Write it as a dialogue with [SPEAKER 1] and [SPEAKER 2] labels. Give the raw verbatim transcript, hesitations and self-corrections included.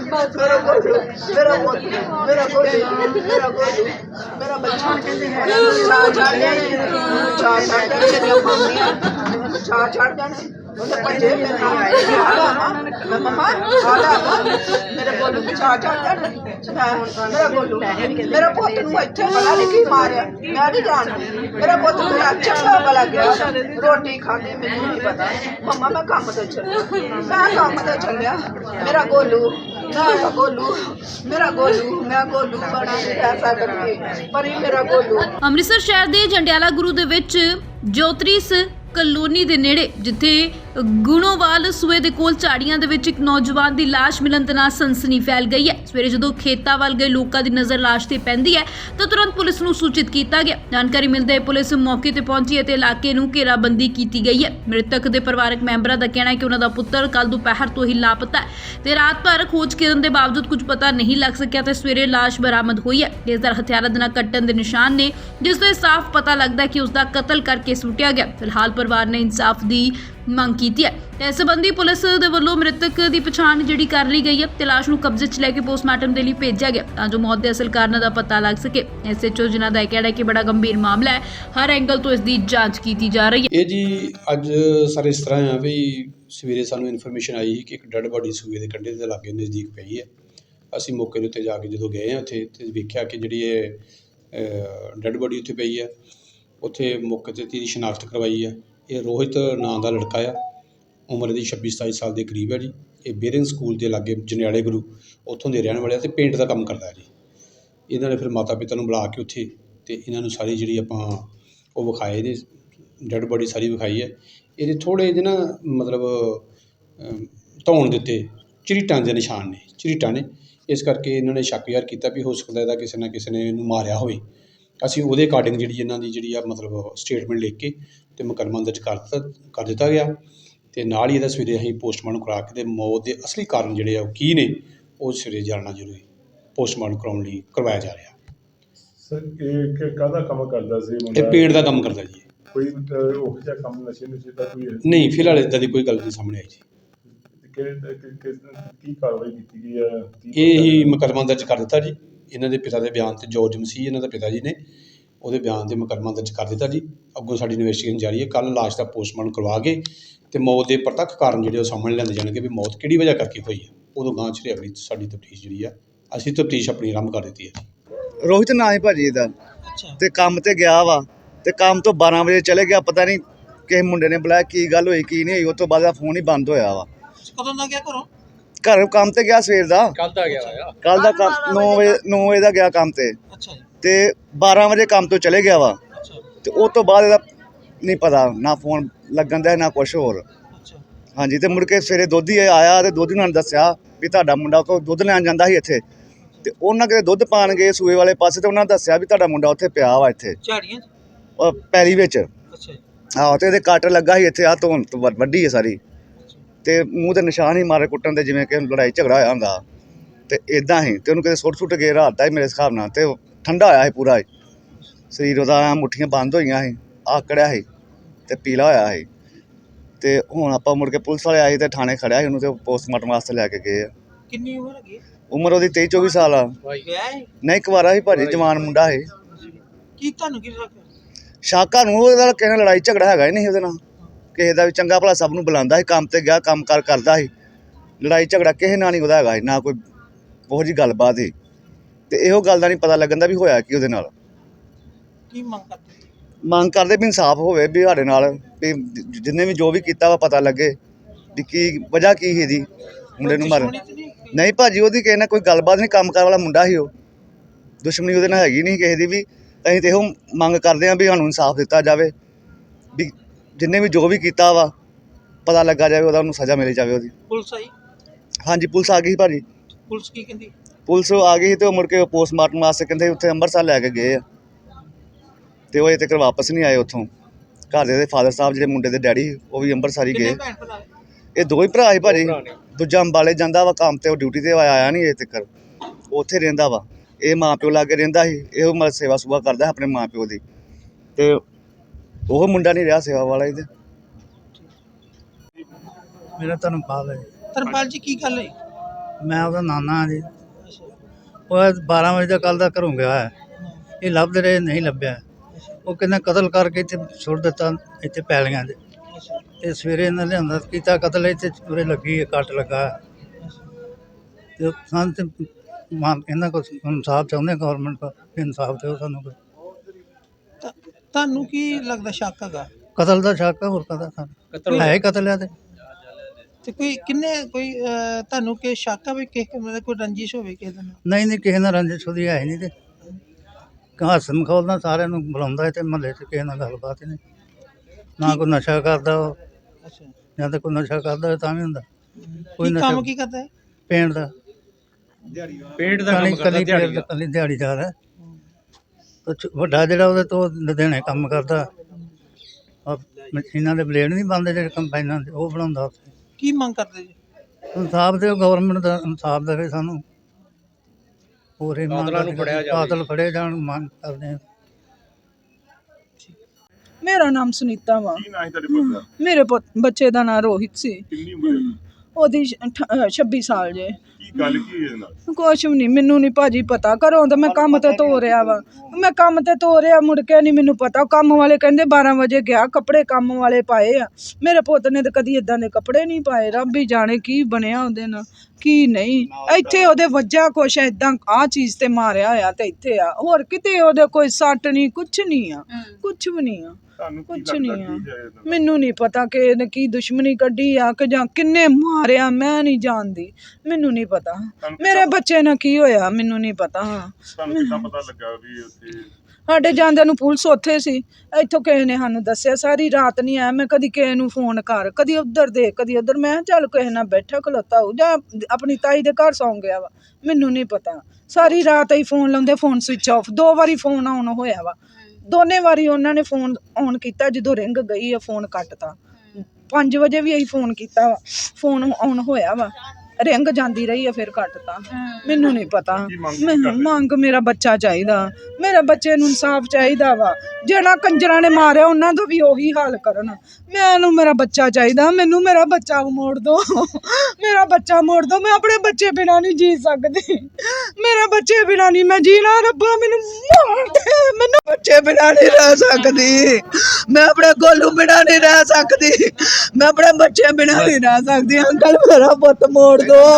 [SPEAKER 1] मेरा गोलू मेरा गोलू मेरा गोलू मेरा गोलू मेरा बच्चा चार चढ़ जाने चार चढ़ जाने मम्मी चार चढ़ जाने भजे मम्मा मेरे गोलू चार चढ़ जाने मेरा गोलू मेरा पुत नूं इत्थे पता नहीं की मारिया मैं नहीं जानती मेरा पुत मेरा चंगा भला गया रोटी खानी मैनूं नहीं पता मम्मा मैं काम ते चलिया मैं काम ते चलिया मेरा गोलू मेरा गोलू मेरा गोलू मैं गोलू बना नहीं रह सकती पर ये मेरा गोलू।
[SPEAKER 2] ਅੰਮ੍ਰਿਤਸਰ ਸ਼ਹਿਰ ਦੇ ਜੰਡਿਆਲਾ ਗੁਰੂ ਦੇ ਵਿੱਚ ਜੋਤਰੀਸ ਕਲੋਨੀ ਦੇ ਨੇੜੇ ਜਿੱਥੇ ਗੁਣੋਵਾਲ ਸੂਏ ਦੇ ਕੋਲ ਝਾੜੀਆਂ ਦੇ ਵਿੱਚ ਇੱਕ ਨੌਜਵਾਨ ਦੀ ਲਾਸ਼ ਮਿਲਣ ਦੇ ਨਾਲ ਸਨਸਨੀ ਫੈਲ ਗਈ ਹੈ। ਸਵੇਰੇ ਜਦੋਂ ਖੇਤਾਂ ਵੱਲ ਗਏ ਲੋਕਾਂ ਦੀ ਨਜ਼ਰ ਲਾਸ਼ ਤੇ ਪੈਂਦੀ ਹੈ ਤਾਂ ਤੁਰੰਤ ਪੁਲਿਸ ਨੂੰ ਸੂਚਿਤ ਕੀਤਾ ਗਿਆ। ਜਾਣਕਾਰੀ ਮਿਲਦੇ ਹੀ ਪੁਲਿਸ ਮੌਕੇ ਤੇ ਪਹੁੰਚੀ ਅਤੇ ਇਲਾਕੇ ਨੂੰ ਘੇਰਾਬੰਦੀ ਕੀਤੀ ਗਈ ਹੈ। ਮ੍ਰਿਤਕ ਦੇ ਪਰਿਵਾਰਕ ਮੈਂਬਰਾਂ ਦਾ ਕਹਿਣਾ ਹੈ ਕਿ ਉਹਨਾਂ ਦਾ ਪੁੱਤਰ ਕੱਲ ਦੁਪਹਿਰ ਤੋਂ ਹੀ ਲਾਪਤਾ ਹੈ ਤੇ ਰਾਤ ਭਰ ਖੋਜ ਕਰਨ ਦੇ ਬਾਵਜੂਦ ਕੁਝ ਪਤਾ ਨਹੀਂ ਲੱਗ ਸਕਿਆ ਤੇ ਸਵੇਰੇ ਲਾਸ਼ ਬਰਾਮਦ ਹੋਈ ਹੈ। ਲੇਜ਼ਰ ਹਥਿਆਰਾਂ ਦੇ ਨਾਲ ਕੱਟਣ ਦੇ ਨਿਸ਼ਾਨ ਨੇ ਜਿਸ ਤੋਂ ਸਾਫ਼ ਪਤਾ ਲੱਗਦਾ ਹੈ ਕਿ ਉਸ ਦਾ ਕਤਲ ਕਰਕੇ ਸੁੱਟਿਆ ਗਿਆ। ਫਿਲਹਾਲ ਪਰਿਵਾਰ ਨੇ ਇਨਸਾਫ ਦੀ ਮੰਗ ਕੀਤੀ ਹੈ। ਇਸ ਸੰਬੰਧੀ ਪੁਲਿਸ ਦੇ ਵੱਲੋਂ ਮ੍ਰਿਤਕ ਦੀ ਪਛਾਣ ਜਿਹੜੀ ਕਰ ਲਈ ਗਈ ਹੈ ਤੇ ਲਾਸ਼ ਨੂੰ ਕਬਜ਼ੇ 'ਚ ਲੈ ਕੇ ਪੋਸਟਮਾਰਟਮ ਦੇ ਲਈ ਭੇਜਿਆ ਗਿਆ ਤਾਂ ਜੋ ਮੌਤ ਦੇ ਅਸਲ ਕਾਰਨਾਂ ਦਾ ਪਤਾ ਲੱਗ ਸਕੇ। ਐਸਐਚਓ ਜਿਨ੍ਹਾਂ ਦਾ ਕਹਿਣਾ ਹੈ ਕਿ ਬੜਾ ਗੰਭੀਰ ਮਾਮਲਾ ਹੈ, ਹਰ ਐਂਗਲ ਤੋਂ ਇਸ ਦੀ ਜਾਂਚ ਕੀਤੀ ਜਾ ਰਹੀ ਹੈ।
[SPEAKER 3] ਇਹ ਜੀ ਅੱਜ ਸਰ ਇਸ ਤਰ੍ਹਾਂ ਆ ਵੀ ਸਵੇਰੇ ਸਾਨੂੰ ਇਨਫੋਰਮੇਸ਼ਨ ਆਈ ਸੀ ਕਿ ਇੱਕ ਡੈੱਡ ਬਾਡੀ ਸੂਏ ਦੇ ਕੰਢੇ ਦੇ ਲਾਗੇ ਨਜ਼ਦੀਕ ਪਈ ਹੈ। ਅਸੀਂ ਮੌਕੇ ਦੇ ਉੱਤੇ ਜਾ ਕੇ ਜਦੋਂ ਗਏ ਹਾਂ ਉੱਥੇ ਤੇ ਵੇਖਿਆ ਕਿ ਜਿਹੜੀ ਇਹ ਡੈੱਡ ਬਾਡੀ ਉੱਥੇ ਪਈ ਹੈ। ਉੱਥੇ ਮੌਕੇ 'ਤੇ ਇਹਦੀ ਸ਼ਨਾਖਤ ਕਰਵਾਈ ਹੈ। ਇਹ ਰੋਹਿਤ ਨਾਂ ਦਾ ਲੜਕਾ ਆ, ਉਮਰ ਦੀ ਛੱਬੀ ਸਤਾਈ ਸਾਲ ਦੇ ਕਰੀਬ ਹੈ ਜੀ। ਇਹ ਬੇਰਿੰਗ ਸਕੂਲ ਦੇ ਲਾਗੇ ਜੰਡਿਆਲੇ ਗੁਰੂ ਉੱਥੋਂ ਦੇ ਰਹਿਣ ਵਾਲੇ ਅਤੇ ਪੇਂਟ ਦਾ ਕੰਮ ਕਰਦਾ ਜੀ। ਇਹਨਾਂ ਨੇ ਫਿਰ ਮਾਤਾ ਪਿਤਾ ਨੂੰ ਬੁਲਾ ਕੇ ਉੱਥੇ ਅਤੇ ਇਹਨਾਂ ਨੂੰ ਸਾਰੀ ਜਿਹੜੀ ਆਪਾਂ ਉਹ ਵਿਖਾਏ ਇਹਦੇ ਡੈਡ ਬੋਡੀ ਸਾਰੀ ਵਿਖਾਈ ਹੈ। ਇਹਦੇ ਥੋੜ੍ਹੇ ਜਿਹੇ ਨਾ ਮਤਲਬ ਧੌਣ ਦੇ ਉੱਤੇ ਝਰੀਟਾਂ ਦੇ ਨਿਸ਼ਾਨ ਨੇ ਝਰੀਟਾਂ ਨੇ ਇਸ ਕਰਕੇ ਇਹਨਾਂ ਨੇ ਸ਼ੱਕ ਜ਼ਾਹਰ ਕੀਤਾ ਵੀ ਹੋ ਸਕਦਾ ਇਹਦਾ ਕਿਸੇ ਨਾ ਕਿਸੇ ਨੇ ਇਹਨੂੰ ਮਾਰਿਆ ਹੋਵੇ। ਅਸੀਂ ਉਹਦੇ ਅਕਾਰਡਿੰਗ ਜਿਹੜੀ ਇਹਨਾਂ ਦੀ ਜਿਹੜੀ ਆ ਮਤਲਬ ਸਟੇਟਮੈਂਟ ਲਿਖ ਕੇ ਅਤੇ ਮੁਕੱਦਮਾ ਦਰਜ ਕਰ ਦਿੱਤਾ ਕਰ ਦਿੱਤਾ ਗਿਆ ਅਤੇ ਨਾਲ ਹੀ ਇਹਦਾ ਸਵੇਰੇ ਅਸੀਂ ਪੋਸਟਮਾਰਟਮ ਕਰਾ ਕੇ ਅਤੇ ਮੌਤ ਦੇ ਅਸਲੀ ਕਾਰਨ ਜਿਹੜੇ ਆ ਉਹ ਕੀ ਨੇ ਉਹ ਸਵੇਰੇ ਜਾਣਨਾ ਜ਼ਰੂਰੀ ਪੋਸਟਮਾਰਟਮ ਕਰਾਉਣ ਲਈ ਕਰਵਾਇਆ ਜਾ ਰਿਹਾ।
[SPEAKER 4] ਸਰ ਇਹ ਕਾਹਦਾ ਕੰਮ ਕਰਦਾ ਸੀ
[SPEAKER 3] ਇਹ ਪੇਂਟ ਦਾ ਕੰਮ ਕਰਦਾ ਜੀ।
[SPEAKER 4] ਕੋਈ ਉਹ ਜਿਹਾ ਕੰਮ ਨਸ਼ੇ ਨੁਸ਼ੇ ਦਾ ਕੋਈ
[SPEAKER 3] ਨਹੀਂ, ਫਿਲਹਾਲ ਇੱਦਾਂ ਦੀ ਕੋਈ ਗੱਲ ਨਹੀਂ ਸਾਹਮਣੇ ਆਈ ਜੀ।
[SPEAKER 4] ਕੀ ਕਾਰਵਾਈ ਕੀਤੀ ਗਈ ਹੈ?
[SPEAKER 3] ਇਹ ਹੀ ਮੁਕੱਦਮਾ ਦਰਜ ਕਰ ਦਿੱਤਾ ਜੀ। ਇਹਨਾਂ ਦੇ ਪਿਤਾ ਦੇ ਬਿਆਨ 'ਤੇ ਜੋਰਜ ਮਸੀਹ ਇਹਨਾਂ ਦਾ ਪਿਤਾ ਜੀ ਨੇ ਉਹਦੇ ਬਿਆਨ 'ਤੇ ਮੁਕੱਦਮਾ ਦਰਜ ਕਰ ਦਿੱਤਾ ਜੀ। ਅੱਗੋਂ ਸਾਡੀ ਇਨਵੈਸਟੀਗੇਸ਼ਨ ਜਾਰੀ ਹੈ। ਕੱਲ੍ਹ ਲਾਸ਼ ਦਾ ਪੋਸਟਮਾਰਟਮ ਕਰਵਾ ਕੇ ਅਤੇ ਮੌਤ ਦੇ ਪ੍ਰਤੱਖ ਕਾਰਨ ਜਿਹੜੇ ਉਹ ਸਾਹਮਣੇ ਲਿਆਂਦੇ ਜਾਣਗੇ ਵੀ ਮੌਤ ਕਿਹੜੀ ਵਜ੍ਹਾ ਕਰਕੇ ਹੋਈ ਹੈ। ਉਦੋਂ ਗਾਂਹ 'ਚ ਅਗਲੀ ਸਾਡੀ ਤਫਤੀਸ਼ ਜਿਹੜੀ ਆ ਅਸੀਂ ਤਫਤੀਸ਼ ਆਪਣੀ ਆਰੰਭ ਕਰ ਦਿੱਤੀ ਹੈ।
[SPEAKER 5] ਰੋਹਿਤ ਨਾਂ ਹੈ ਭਾਜੀ ਇਹਦਾ ਤੇ ਕੰਮ ਤੇ ਗਿਆ ਵਾ ਤੇ ਕੰਮ ਤੋਂ ਬਾਰਾਂ ਵਜੇ ਚਲੇ ਗਿਆ। ਪਤਾ ਨਹੀਂ ਕਿਸੇ ਮੁੰਡੇ ਨੇ ਬੁਲਾਇਆ, ਕੀ ਗੱਲ ਹੋਈ ਕੀ ਨਹੀਂ ਹੋਈ। ਉਸ ਤੋਂ ਬਾਅਦ ਦਾ ਫੋਨ ਹੀ ਬੰਦ ਹੋਇਆ ਵਾ।
[SPEAKER 6] ਕਦੋਂ ਦਾ ਗਿਆ ਘਰੋਂ?
[SPEAKER 5] ਘਰ ਕੰਮ ਤੇ ਗਿਆ ਸਵੇਰ ਦਾ,
[SPEAKER 6] ਕੱਲ ਦਾ ਗਿਆ ਹੋਇਆ।
[SPEAKER 5] ਕੱਲ ਦਾ ਕੰਮ ਨੌ ਵਜੇ ਨੌ ਵਜੇ ਦਾ ਗਿਆ ਕੰਮ ਤੇ
[SPEAKER 6] ਅੱਛਾ ਜੀ।
[SPEAKER 5] ਤੇ ਬਾਰਾਂ ਵਜੇ ਕੰਮ ਤੋਂ ਚਲੇ ਗਿਆ ਵਾ
[SPEAKER 6] ਅੱਛਾ
[SPEAKER 5] ਤੇ ਉਸ ਤੋਂ ਬਾਅਦ ਇਹਦਾ ਨਹੀਂ ਪਤਾ, ਨਾ ਫੋਨ ਲੱਗਣ ਦਾ ਨਾ ਕੁਛ ਹੋਰ।
[SPEAKER 6] ਅੱਛਾ
[SPEAKER 5] ਹਾਂਜੀ ਤੇ ਮੁੜ ਕੇ ਸਵੇਰੇ ਦੁੱਧ ਹੀ ਆਇਆ ਤੇ ਦੁੱਧ ਨਾਲ ਦੱਸਿਆ ਵੀ ਤੁਹਾਡਾ ਮੁੰਡਾ ਕੋ ਦੁੱਧ ਲੈਣ ਜਾਂਦਾ ਸੀ ਇੱਥੇ ਤੇ ਉਹਨਾਂ ਕਿਤੇ ਦੁੱਧ ਪਾਣ ਗਏ ਸੂਏ ਵਾਲੇ ਪਾਸੇ ਤੇ ਉਹਨਾਂ ਦੱਸਿਆ ਵੀ ਤੁਹਾਡਾ ਮੁੰਡਾ ਉੱਥੇ ਪਿਆ ਵਾ ਇੱਥੇ
[SPEAKER 6] ਝਾੜੀਆਂ 'ਚ।
[SPEAKER 5] ਉਹ ਪੈਲੀ ਵਿੱਚ।
[SPEAKER 6] ਅੱਛਾ ਜੀ।
[SPEAKER 5] ਆਹੋ ਤੇ ਇਹਦੇ ਕੱਟ ਲੱਗਾ ਸੀ ਇੱਥੇ, ਆਹ ਧੌਣ ਤੋਂ ਵੱ- ਵੱਡੀ ਹੈ ਸਾਰੀ ਤੇ ਮੂੰਹ ਤੇ ਨਿਸ਼ਾਨ ਹੀ ਮਾਰੇ ਕੁੱਟਣ ਦੇ ਜਿਵੇਂ ਕਿ ਲੜਾਈ ਝਗੜਾ ਹੋਇਆ ਹੁੰਦਾ ਤੇ ਇਦਾਂ ਹੀ ਤੇ ਉਹਨੂੰ ਕਿਤੇ ਸੁੱਟ ਸੁੱਟ ਕੇ ਰਾਤ ਦਾ ਹੀ ਮੇਰੇ ਹਿਸਾਬ ਨਾਲ ਤੇ ਠੰਡਾ ਹੋਇਆ ਸੀ ਪੂਰਾ ਸਰੀਰ ਉਹਦਾ, ਮੁੱਠੀਆਂ ਬੰਦ ਹੋਈਆਂ ਸੀ, ਆਕੜਿਆ ਸੀ ਤੇ ਪੀਲਾ ਹੋਇਆ ਸੀ ਤੇ ਹੁਣ ਆਪਾਂ ਮੁੜ ਕੇ ਪੁਲਿਸ ਵਾਲੇ ਆਏ ਤੇ ਥਾਣੇ ਖੜਿਆ ਸੀ ਉਹਨੂੰ ਤੇ ਪੋਸਟਮਾਰਟਮ ਵਾਸਤੇ ਲੈ ਕੇ ਗਏ ਆ।
[SPEAKER 6] ਕਿੰਨੀ ਉਮਰ ਹੈਗੀ?
[SPEAKER 5] ਉਮਰ ਉਹਦੀ ਤੇਈ ਚੌਵੀ ਸਾਲ ਆ।
[SPEAKER 6] ਵਿਆਹ ਹੈ?
[SPEAKER 5] ਨਹੀਂ ਕੁਆਰਾ ਸੀ ਭਾਜੀ, ਜਵਾਨ ਮੁੰਡਾ ਸੀ।
[SPEAKER 6] ਕੀ ਤੁਹਾਨੂੰ ਕੀ ਲੱਗਦਾ?
[SPEAKER 5] ਸ਼ਾਕਾ ਨੂੰ ਉਹਦੇ ਨਾਲ ਕਿਸੇ ਨਾਲ ਲੜਾਈ ਝਗੜਾ ਹੈਗਾ ਹੀ ਨਹੀਂ ਉਹਦੇ ਨਾਲ ਕਿਸੇ ਦਾ ਵੀ। ਚੰਗਾ ਭਲਾ ਸਭ ਨੂੰ ਬੁਲਾਉਂਦਾ ਸੀ, ਕੰਮ ਤੇ ਗਿਆ ਕੰਮ ਕਾਰ ਕਰਦਾ ਸੀ, ਲੜਾਈ ਝਗੜਾ ਕਿਸੇ ਨਾਲ ਨਹੀਂ ਉਹਦਾ ਹੈਗਾ ਸੀ, ਨਾ ਕੋਈ ਉਹੋ ਜਿਹੀ ਗੱਲਬਾਤ ਸੀ। ਤੇ ਇਹੋ ਗੱਲ ਦਾ ਨਹੀਂ ਪਤਾ ਲੱਗਣ ਦਾ ਵੀ ਹੋਇਆ ਕੀ ਉਹਦੇ ਨਾਲ।
[SPEAKER 6] ਕੀ ਮੰਗ ਕਰਦੇ?
[SPEAKER 5] ਮੰਗ ਕਰਦੇ ਵੀ ਇਨਸਾਫ ਹੋਵੇ ਵੀ ਸਾਡੇ ਨਾਲ ਵੀ ਜਿੰਨੇ ਵੀ ਜੋ ਵੀ ਕੀਤਾ ਵਾ ਪਤਾ ਲੱਗੇ ਵੀ ਕੀ ਵਜ੍ਹਾ ਕੀ ਸੀ ਇਹਦੀ ਮੁੰਡੇ ਨੂੰ ਮਾਰਨ। ਨਹੀਂ ਭਾਜੀ ਉਹਦੀ ਕਿਸੇ ਨਾਲ ਕੋਈ ਗੱਲਬਾਤ ਨਹੀਂ, ਕੰਮ ਕਾਰ ਵਾਲਾ ਮੁੰਡਾ ਸੀ ਉਹ, ਦੁਸ਼ਮਣੀ ਉਹਦੇ ਨਾਲ ਹੈਗੀ ਨਹੀਂ ਕਿਸੇ ਦੀ ਵੀ। ਅਸੀਂ ਤਾਂ ਇਹੋ ਮੰਗ ਕਰਦੇ ਹਾਂ ਵੀ ਸਾਨੂੰ ਇਨਸਾਫ ਦਿੱਤਾ ਜਾਵੇ ਵੀ ਜਿੰਨੇ ਵੀ ਜੋ ਵੀ ਕੀਤਾ ਵਾ ਪਤਾ ਲੱਗਾ ਜਾਵੇ, ਉਹਦਾ ਉਹਨੂੰ ਸਜ਼ਾ ਮਿਲੀ ਜਾਵੇ ਉਹਦੀ।
[SPEAKER 6] ਪੁਲਿਸ ਆਈ?
[SPEAKER 5] ਹਾਂਜੀ ਪੁਲਿਸ ਆ ਗਈ ਸੀ ਭਾਜੀ।
[SPEAKER 6] ਪੁਲਿਸ ਕੀ ਕਹਿੰਦੀ?
[SPEAKER 5] ਪੁਲਿਸ ਆ ਗਈ ਤੇ ਉਹ ਮੁੜ ਕੇ ਪੋਸਟਮਾਰਟਮ ਵਾਸਤੇ ਕਹਿੰਦੇ ਉੱਥੇ ਅੰਮ੍ਰਿਤਸਰ ਲੈ ਕੇ ਗਏ ਆ ਤੇ ਉਹ ਅਜੇ ਤੱਕ ਵਾਪਸ ਨਹੀਂ ਆਏ ਉੱਥੋਂ। ਘਰ ਦੇ ਫਾਦਰ ਸਾਹਿਬ ਜਿਹੜੇ ਮੁੰਡੇ ਦੇ ਡੈਡੀ ਉਹ ਵੀ ਅੰਮ੍ਰਿਤਸਰ ਹੀ ਗਏ।
[SPEAKER 6] ਭੈਣ ਭਰਾ?
[SPEAKER 5] ਇਹ ਦੋ ਹੀ ਭਰਾ ਸੀ ਭਾਜੀ। ਦੂਜਾ ਅੰਬਾਲੇ ਜਾਂਦਾ ਵਾ ਕੰਮ ਤੇ, ਉਹ ਡਿਊਟੀ ਤੇ ਆਇਆ ਨਹੀਂ ਅਜੇ ਤੱਕ, ਉੱਥੇ ਰਹਿੰਦਾ ਵਾ। ਇਹ ਮਾਂ ਪਿਓ ਲਾਗੇ ਰਹਿੰਦਾ ਸੀ, ਇਹੋ ਮਤਲਬ ਸੇਵਾ ਸੁਵਾ ਕਰਦਾ ਆਪਣੇ ਮਾਂ ਪਿਓ ਦੀ ਤੇ ਉਹ ਮੁੰਡਾ ਨਹੀਂ ਰਿਹਾ ਸੇਵਾ ਵਾਲਾ ਇਹਦੇ।
[SPEAKER 7] ਮੇਰਾ ਧਰਮਪਾਲ ਹੈ।
[SPEAKER 6] ਧਰਮਪਾਲ ਜੀ ਕੀ ਗੱਲ ਹੈ?
[SPEAKER 7] ਮੈਂ ਉਹਦਾ ਨਾਨਾ ਹਾਂ ਜੀ। ਉਹ ਬਾਰਾਂ ਵਜੇ ਦਾ ਕੱਲ੍ਹ ਦਾ ਘਰੋਂ ਗਿਆ ਹੈ। ਇਹ ਲੱਭਦੇ ਰਹੇ, ਨਹੀਂ ਲੱਭਿਆ। ਉਹ ਕਹਿੰਦਾ ਕਤਲ ਕਰਕੇ ਇੱਥੇ ਸੁੱਟ ਦਿੱਤਾ, ਇੱਥੇ ਪੈਲੀਆਂ 'ਚ। ਤੇ ਸਵੇਰੇ ਇਹਨਾਂ ਲਿਆਂਦਾ ਕੀਤਾ ਕਤਲ, ਇੱਥੇ ਉਰੇ ਲੱਗੀ ਹੈ, ਕੱਟ ਲੱਗਾ ਹੈ। ਤੇ ਸਾਨੂੰ ਤੇ ਮਾਂ ਇਹਨਾਂ ਕੋਲ ਇਨਸਾਫ ਚਾਹੁੰਦੇ, ਗੌਰਮੈਂਟ ਕੋਲ ਇਨਸਾਫ ਦਿਓ ਸਾਨੂੰ ਕੋਈ।
[SPEAKER 6] ਤਾਂ ਤੁਹਾਨੂੰ ਕੀ ਲੱਗਦਾ ਸ਼ੱਕ ਹੈਗਾ?
[SPEAKER 7] ਕਤਲ ਦਾ ਸ਼ੱਕ ਹੈ, ਹੋਰ ਕਾਹਦਾ ਸਾਨੂੰ ਹੈ ਹੀ ਕਤਲ ਹੈ। ਤੇ
[SPEAKER 6] ਤੇ ਕੋਈ ਕਿੰਨੇ ਕੋਈ ਅਹ, ਤੁਹਾਨੂੰ ਕਿ ਸ਼ੱਕ ਆ ਵੀ ਕਿਸੇ ਮਤਲਬ ਕੋਈ ਰੰਜਿਸ਼ ਹੋਵੇ ਕਿਸੇ ਦੇ ਨਾਲ?
[SPEAKER 7] ਨਹੀਂ ਨਹੀਂ ਕਿਸੇ ਨਾਲ ਰੰਜਿਸ਼ ਉਹਦੀ ਹੈ ਹੀ ਨਹੀਂ। ਤੇ ਹੱਸ ਮਖੌਲ ਸਾਰਿਆਂ ਨੂੰ ਬੁਲਾਉਂਦਾ ਹੈ ਤੇ ਮਹੱਲੇ 'ਚ ਕਿਸੇ ਨਾਲ ਗੱਲਬਾਤ ਹੀ ਨਹੀਂ। ਨਾ ਕੋਈ ਨਸ਼ਾ ਕਰਦਾ ਉਹ,
[SPEAKER 6] ਅੱਛਾ,
[SPEAKER 7] ਜਾਂ ਤਾਂ ਕੋਈ ਨਸ਼ਾ ਕਰਦਾ ਤਾਂ ਵੀ ਹੁੰਦਾ ਕੋਈ
[SPEAKER 6] ਕੀ
[SPEAKER 7] ਨਸ਼ਾ।
[SPEAKER 6] ਕੰਮ ਕੀ ਕਰਦਾ ਹੈ?
[SPEAKER 7] ਪੇਂਟ ਦਾ
[SPEAKER 3] ਪੇਂਟ ਦਾ ਕੰਮ ਕਰਦਾ, ਦਿਹਾੜੀ ਦਾ।
[SPEAKER 7] ਕੱਲੀ ਦਿਹਾੜੀਦਾਰ ਹੈ। ਤੇ ਛ- ਵੱਡਾ ਜਿਹੜਾ ਉਹਦੇ ਤੋਂ ਲੁਧਿਆਣੇ ਕੰਮ ਕਰਦਾ, ਆਹ ਮਸ਼ੀਨਾਂ ਦੇ ਬਲੇਡ ਨਹੀਂ ਬਣਦੇ ਜਿਹੜੇ ਕੰਬਾਈਨਾਂ ਦੇ, ਉਹ ਬਣਾਉਂਦਾ ਉੱਥੇ।
[SPEAKER 6] ਕੀ ਮੰਗ ਕਰਦੇ ਜੀ?
[SPEAKER 7] ਇਨਸਾਫ ਦਿਓ, ਗੌਰਮੈਂਟ ਦਾ ਇਨਸਾਫ ਦੇਵੇ ਸਾਨੂੰ। ਹੋਰ ਇਹ ਮੰਗ
[SPEAKER 3] ਕਾਤਲਾਂ ਨੂੰ ਫੜਿਆ ਜਾਵੇ।
[SPEAKER 7] ਕਾਤਲ ਫੜੇ ਜਾਣ, ਮੰਗ ਕਰਦੇ ਹਾਂ।
[SPEAKER 1] ਮੇਰਾ ਨਾਮ ਸੁਨੀਤਾ ਵਾ।
[SPEAKER 4] ਕੀ ਨਾਂ ਸੀ ਤੁਹਾਡੇ ਪੁੱਤ ਦਾ?
[SPEAKER 1] ਮੇਰੇ ਪੁੱਤ ਬੱਚੇ ਦਾ ਨਾਮ ਰੋਹਿਤ ਸੀ।
[SPEAKER 4] ਕਿੰਨੀ ਉਮਰ ਹੈ?
[SPEAKER 1] ਉਹਦੀ ਛੱਬੀ ਸਾਲ ਜੇ।
[SPEAKER 4] ਕੀ ਗੱਲ ਕੀ ਹੋਈ ਇਹਦੇ ਨਾਲ?
[SPEAKER 1] ਕੁਛ ਵੀ ਨਹੀਂ, ਮੈਨੂੰ ਨਹੀਂ ਭਾਜੀ ਪਤਾ। ਘਰੋਂ ਤਾਂ ਮੈਂ ਕੰਮ ਤੇ ਤੋਰਿਆ ਵਾ, ਮੈਂ ਕੰਮ ਤੇ ਤੋਰਿਆ, ਮੁੜ ਕੇ ਨਹੀਂ ਮੈਨੂੰ ਪਤਾ। ਕੰਮ ਵਾਲੇ ਕਹਿੰਦੇ ਬਾਰਾਂ ਵਜੇ ਗਿਆ, ਕੱਪੜੇ ਕੰਮ ਵਾਲੇ ਪਾਏ ਆ। ਮੇਰੇ ਪੁੱਤ ਨੇ ਤਾਂ ਕਦੀ ਇਦਾਂ ਦੇ ਕੱਪੜੇ ਨਹੀਂ ਪਾਏ। ਰੱਬ ਹੀ ਜਾਣੇ ਕੀ ਬਣਿਆ ਉਹਦੇ ਨਾਲ, ਕੀ ਨਹੀਂ। ਇੱਥੇ ਉਹਦੇ ਵੱਜਾ ਕੁਛ ਇਦਾਂ, ਆਹ ਚੀਜ਼ ਤੇ ਮਾਰਿਆ ਹੋਇਆ ਤੇ ਇੱਥੇ ਆ, ਹੋਰ ਕਿਤੇ ਉਹਦੇ ਕੋਈ ਸੱਟ ਨਹੀਂ, ਕੁਛ ਨਹੀਂ ਆ, ਕੁਛ ਵੀ ਨਹੀਂ ਆ,
[SPEAKER 4] ਤੁਹਾਨੂੰ ਕੀ
[SPEAKER 1] ਕੁਛ
[SPEAKER 4] ਲੱਗਦਾ
[SPEAKER 1] ਨਹੀਂ
[SPEAKER 4] ਕੀ
[SPEAKER 1] ਆ।
[SPEAKER 4] ਹੈ ਇਹਦਾ?
[SPEAKER 1] ਮੈਨੂੰ ਨਹੀਂ ਪਤਾ ਕਿ ਇਹਨੇ ਕੀ ਦੁਸ਼ਮਣੀ ਕੱਢੀ ਆ ਕਿ ਜਾਂ ਕਿੰਨੇ ਮਾਰਿਆ, ਮੈਂ ਨਹੀਂ ਜਾਣਦੀ, ਮੈਨੂੰ ਨਹੀਂ ਪਤਾ। ਮੇਰੇ ਬੱਚੇ ਨਾਲ ਕੀ ਹੋਇਆ ਮੈਨੂੰ ਨਹੀਂ ਪਤਾ।
[SPEAKER 4] ਤੁਹਾਨੂੰ ਕਿੱਦਾਂ ਪਤਾ ਲੱਗਾ ਵੀ ਉੱਥੇ?
[SPEAKER 1] ਸਾਡੇ ਜਾਂਦਿਆਂ ਨੂੰ ਪੁਲਿਸ ਉੱਥੇ ਸੀ, ਇੱਥੋਂ ਕਿਸੇ ਨੇ ਸਾਨੂੰ ਦੱਸਿਆ। ਸਾਰੀ ਰਾਤ ਨਹੀਂ ਆਇਆ। ਮੈਂ ਕਦੀ ਕਿਸੇ ਨੂੰ ਫੋਨ ਕਰ, ਕਦੀ ਉੱਧਰ ਦੇ, ਕਦੀ ਉੱਧਰ। ਮੈਂ ਕਿਹਾ ਚੱਲ ਕਿਸੇ ਨਾਲ ਬੈਠਾ ਖਲੋਤਾ ਹੋਊ ਜਾਂ ਆਪਣੀ ਤਾਈ ਦੇ ਘਰ ਸੌਂ ਗਿਆ ਵਾ, ਮੈਨੂੰ ਨਹੀਂ ਪਤਾ। ਸਾਰੀ ਰਾਤ ਹੀ ਫੋਨ ਲਾਉਂਦੇ, ਫੋਨ ਸਵਿਚ ਆਫ। ਦੋ ਵਾਰੀ ਫੋਨ ਆਨ ਹੋਇਆ ਵਾ, ਦੋਨੇ ਵਾਰੀ ਉਹਨਾਂ ਨੇ ਫੋਨ ਔਨ ਕੀਤਾ, ਜਦੋਂ ਰਿੰਗ ਗਈ ਆ ਫੋਨ ਕੱਟਤਾ। ਪੰਜ ਵਜੇ ਵੀ ਅਸੀਂ ਫੋਨ ਕੀਤਾ ਵਾ, ਫੋਨ ਔਨ ਹੋਇਆ ਵਾ, ਰਿੰਗ ਜਾਂਦੀ ਰਹੀ ਆ, ਫਿਰ ਕੱਟਤਾ। ਮੈਨੂੰ ਨਹੀਂ ਪਤਾ। ਮੈਂ ਮੰਗ ਮੇਰਾ ਬੱਚਾ ਚਾਹੀਦਾ, ਮੇਰੇ ਬੱਚੇ ਨੂੰ ਇਨਸਾਫ ਚਾਹੀਦਾ ਵਾ। ਜਿਹੜਾ ਕੰਜਰਾਂ ਨੇ ਮਾਰਿਆ ਉਹਨਾਂ ਦਾ ਵੀ ਉਹੀ ਹਾਲ ਕਰਨ। ਮੈਨੂੰ ਮੇਰਾ ਬੱਚਾ ਚਾਹੀਦਾ, ਮੈਨੂੰ ਮੇਰਾ ਬੱਚਾ ਮੋੜ ਦਿਓ, ਮੇਰਾ ਬੱਚਾ ਮੋੜ ਦਿਓ। ਮੈਂ ਆਪਣੇ ਬੱਚੇ ਬਿਨਾਂ ਨਹੀਂ ਜੀ ਸਕਦੀ, ਮੇਰੇ ਬੱਚੇ ਬਿਨਾਂ ਨਹੀਂ ਮੈਂ ਜੀਣਾ। ਰੱਬਾ ਮੈਨੂੰ ਮਾਰ ਦੇ, ਮੈਨੂੰ ਬੱਚੇ ਬਿਨਾਂ ਨਹੀਂ ਰਹਿ ਸਕਦੀ, ਮੈਂ ਆਪਣੇ ਗੋਲੂ ਬਿਨਾਂ ਨਹੀਂ ਰਹਿ ਸਕਦੀ, ਮੈਂ ਆਪਣੇ ਬੱਚੇ ਬਿਨਾਂ ਨਹੀਂ ਰਹਿ ਸਕਦੀ। ਅੰਕਲ ਮੇਰਾ ਪੁੱਤ ਮੋੜ ਦਿਓ।